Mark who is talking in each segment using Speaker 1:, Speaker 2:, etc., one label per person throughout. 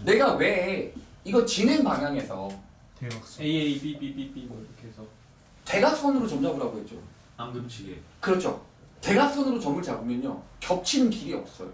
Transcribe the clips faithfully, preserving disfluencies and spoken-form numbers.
Speaker 1: 내가 왜 이거 진행 방향에서
Speaker 2: 대각선.
Speaker 3: A A B B B B 뭐 이렇게 해서
Speaker 1: 대각선으로 점 잡으라고 했죠.
Speaker 4: 안 겹치게.
Speaker 1: 그렇죠. 대각선으로 점을 잡으면요 겹치는 길이 없어요.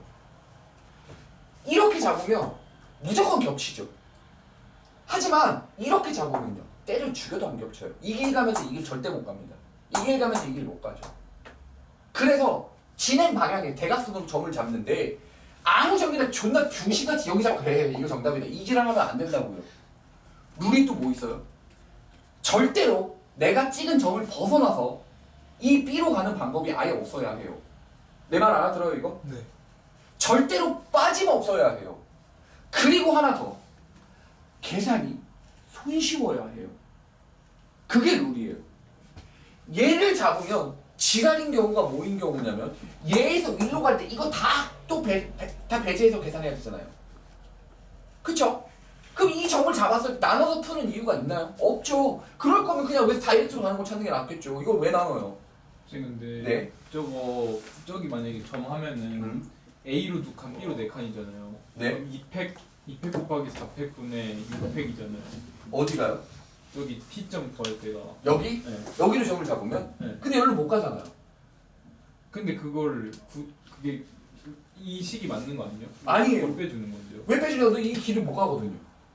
Speaker 1: 이렇게 잡으면 무조건 겹치죠. 하지만 이렇게 잡으면요 때려 죽여도 안 겹쳐요. 이 길 가면서 이 길 절대 못 갑니다. 이 길 가면서 이 길 못 가죠. 그래서 진행 방향에 대각선으로 점을 잡는데 아무 점이나 존나 중심같이 여기 잡고 그래 이거 정답이다 이 지랄 하면 안 된다고요. 룰이 또 뭐 있어요? 절대로 내가 찍은 점을 벗어나서 이 B로 가는 방법이 아예 없어야 해요. 내 말 알아들어요 이거?
Speaker 2: 네.
Speaker 1: 절대로 빠짐없어야 해요. 그리고 하나 더 계산이 손쉬워야 해요. 그게 룰이에요. 얘를 잡으면 지랄인 경우가 뭐인 경우냐면 얘에서 일로 갈 때 이거 다 또 배, 배, 다 배제해서 계산해야 되잖아요. 그쵸? 그럼 이 점을 잡았을 때 나눠서 푸는 이유가 있나요? 없죠. 그럴 거면 그냥 왜 다이렉트로 가는 거 찾는 게 낫겠죠. 이걸 왜 나눠요?
Speaker 3: 선생님 근데
Speaker 1: 네.
Speaker 3: 저거 저기 만약에 점 하면은
Speaker 1: 음.
Speaker 3: A로 두 칸, B로 네 칸이잖아요.
Speaker 1: 네.
Speaker 3: 그럼 이 팩 이 팩 곱하기 사 팩분의 육 팩이잖아요.
Speaker 1: 어디가요?
Speaker 3: 여기 T점 구할 때가.
Speaker 1: 여기?
Speaker 3: 네.
Speaker 1: 여기로 점을 잡으면?
Speaker 3: 네.
Speaker 1: 근데 여기로 못 가잖아요.
Speaker 3: 근데 그걸 구, 그게 이 식이 맞는 거 아니에요?
Speaker 1: 아니에요.
Speaker 3: 그걸 빼주는 건데요.
Speaker 1: 왜 빼주려도 이 길을 못 가거든요.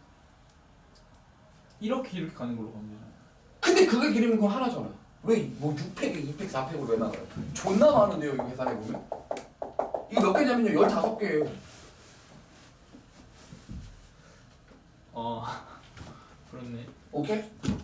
Speaker 3: 이렇게 이렇게 가는 걸로 가면 되잖아요.
Speaker 1: 근데 그게 길이면 그거 하나잖아. 왜 뭐 육 팩에 이 팩, 사 팩으로 왜 나가요? 존나 많은데요 이거 계산해보면? 이거 몇 개냐면요 열다섯 개예요.
Speaker 3: 어 그렇네.
Speaker 1: 오케이?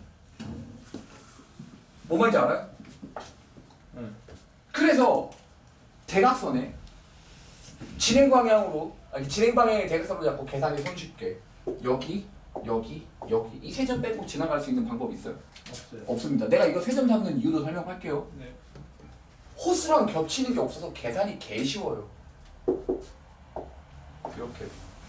Speaker 1: 뭐 말인지 알아요?
Speaker 3: 응.
Speaker 1: 그래서 대각선에 진행 방향으로 아니 진행 방향의 대각선으로 잡고 계산이 손쉽게 여기 여기 여기 이 세 점 빼고 지나갈 수 있는 방법이 있어요?
Speaker 3: 없어요.
Speaker 1: 없습니다. 내가 이거 세 점 잡는 이유도 설명할게요.
Speaker 3: 네.
Speaker 1: 호수랑 겹치는 게 없어서 계산이 개 쉬워요. 이렇게.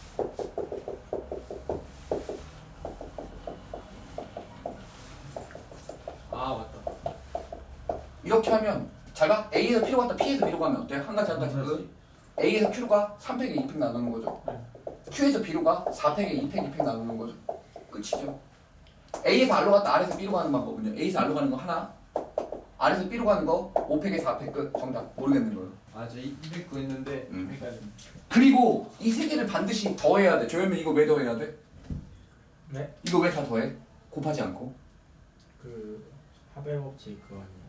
Speaker 3: 아 맞다.
Speaker 1: 이렇게 하면 잘 봐. A에서 P로 갔다 P에서 B로 가면 어때요? 한 가지 한 가지. 그 A에서 Q로 가 삼 팩에 이 팩 나누는 거죠.
Speaker 3: 네.
Speaker 1: Q에서 B로 가 사 팩에 이 팩 이 팩 나누는 거죠. 끝이죠. A에서 R로 갔다 R에서 B로 가는 방법은요. A에서 R로 가는 거 하나. R에서 B로 가는 거 오 팩에 사 팩 끝. 정답. 모르겠는 거예요.
Speaker 3: 아저 이백 구했는데
Speaker 1: 음.
Speaker 3: 헷갈렸네.
Speaker 1: 그리고 이 세 개를 반드시 더해야 돼. 조현민 이거 왜 더해야 돼?
Speaker 2: 네?
Speaker 1: 이거 왜 다 더해? 곱하지 않고.
Speaker 2: 그 하벨법칙 그거 아니에요?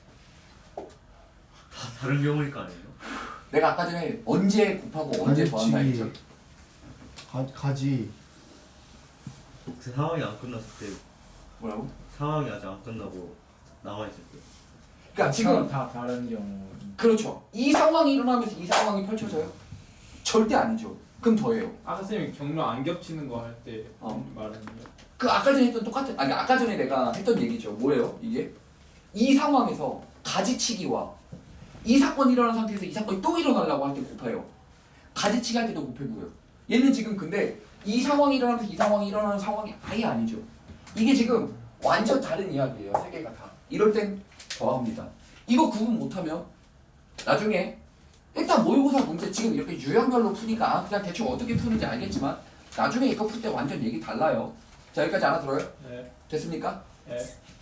Speaker 4: 다 다른 경우일 거 아니에요?
Speaker 1: 내가 아까 전에 언제 곱하고 언제 더한다 했죠?
Speaker 5: 가, 가지.
Speaker 4: 그 상황이 안 끝났을 때
Speaker 1: 뭐라고?
Speaker 4: 상황이 아직 안 끝나고 남아 있을 때.
Speaker 1: 그러니까 지금
Speaker 2: 다 다른 경우.
Speaker 1: 그렇죠. 이 상황이 일어나면서 이 상황이 펼쳐져요? 절대 아니죠. 그럼 더해요.
Speaker 3: 아까 쌤이 경로 안 겹치는 거 할 때
Speaker 1: 어.
Speaker 3: 말하는 거.
Speaker 1: 그 아까 전에 했던 똑같은 아니 아까 전에 내가 했던 얘기죠. 뭐예요? 이게 이 상황에서 가지치기와 이 사건이 일어난 상태에서 이 사건이 또 일어나려고 할 때 곱해요. 가지치기 할 때도 곱해고요. 얘는 지금 근데 이 상황이 일어나면서 이 상황이 일어나는 상황이 아예 아니죠. 이게 지금 완전 다른 이야기예요. 세 개가 다. 이럴 땐 더합니다. 이거 구분 못하면 나중에 일단 모의고사 문제 지금 이렇게 유형별로 푸니까 그냥 대충 어떻게 푸는지 알겠지만 나중에 이거 풀 때 완전 얘기 달라요. 자 여기까지 알아들어요?
Speaker 3: 네.
Speaker 1: 됐습니까?
Speaker 3: 네.